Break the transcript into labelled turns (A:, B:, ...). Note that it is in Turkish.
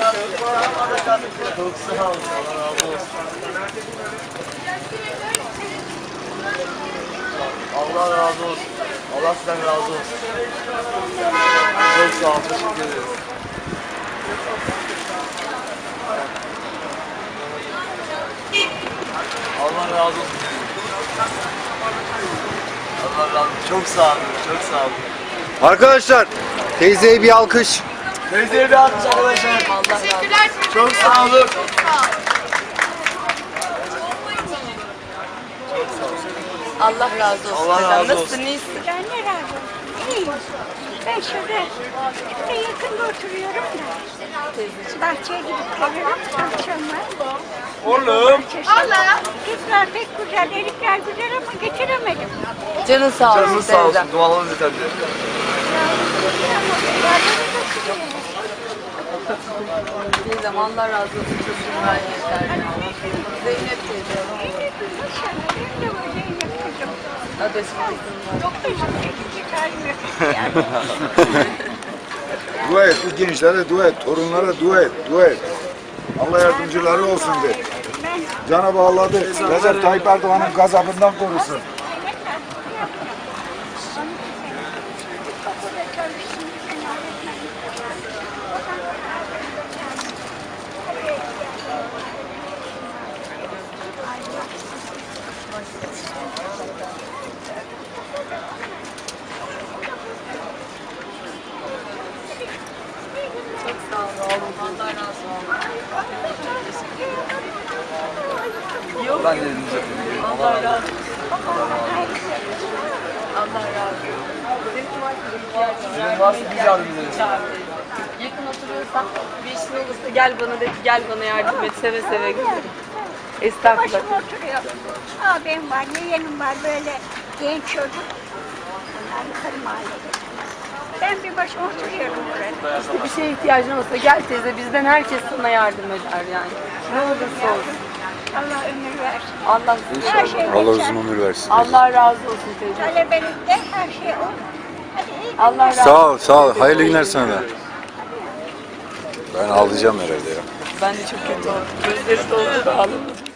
A: Çok sağ olun. Allah razı olsun. Allah razı olsun. Allah sizden razı olsun. Çok sağ olun. Teşekkür ederiz. Allah razı olsun. Allah razı olsun. Çok sağ olun. Çok sağ olun.
B: Arkadaşlar teyzeye bir alkış.
A: Teyzeye bir alkış arkadaşlar.
C: Teşekkürler.
A: Çok sağ olun.
C: Allah razı olsun.
A: Allah razı olsun.
C: Nasılsın, iyisin?
D: Ben de razı olsun. İyiyim. Ben şurada yakında oturuyorum da. Bahçeye gidip gelirim akşamlar.
A: Oğlum.
D: Allah. Kızlar pek güzel, erikler güzel ama getiremedim.
C: Canın sağ olsun.
A: Canınız sağ olsun.
C: teyzem.
A: Dualarınız yeterli.
C: Teyzem Allah razı olsun. Çocuğun vermeyecekler. Zeynep teyze.
D: İnşallah benim de böyle yapacağım.
C: Adresini kızım var.
D: Çok teşekkür ederim.
B: Dua et, bu gençlere dua et, torunlara dua et, dua et. Allah yardımcıları olsun de.
D: Ben
B: Cenab-ı Allah de, Recep Tayyip Erdoğan'ın gazabından korusun.
C: Çok sağ olun. Allah razı olsun. Yok.
A: Ben de elinizi öpeyim.
C: Allah razı olsun. Allah razı olsun. Senin cumartesi ihtiyacın
A: Senin varsa biz yardım ederiz.
C: Yakın oturuyorsan bir işin olursa gel bana de ki gel bana yardım et, seve seve gelirim. Estağfurullah.
D: başıma oturuyorum. Abim var, yeğenim var böyle genç çocuk. Bunlar yukarı mahallede. Ben bir başıma oturuyorum burada.
C: İşte bir şeye ihtiyacın olsa gel teyze, bizden herkes sana yardım eder yani. Ne olursa olsun.
D: Allah ömür versin.
C: Allah
D: Her şey
B: Allah
D: geçer.
B: uzun ömür versin.
C: Allah razı olsun teyze.
D: Talebelikte her şey olur. Hadi iyi günler.
C: Allah razı olsun.
B: Sağ ol, sağ ol. Hayırlı günler sana da. Ben ağlayacağım herhalde ya.
C: Ben de çok kötü oldum. Gözleri doldu da ağladım.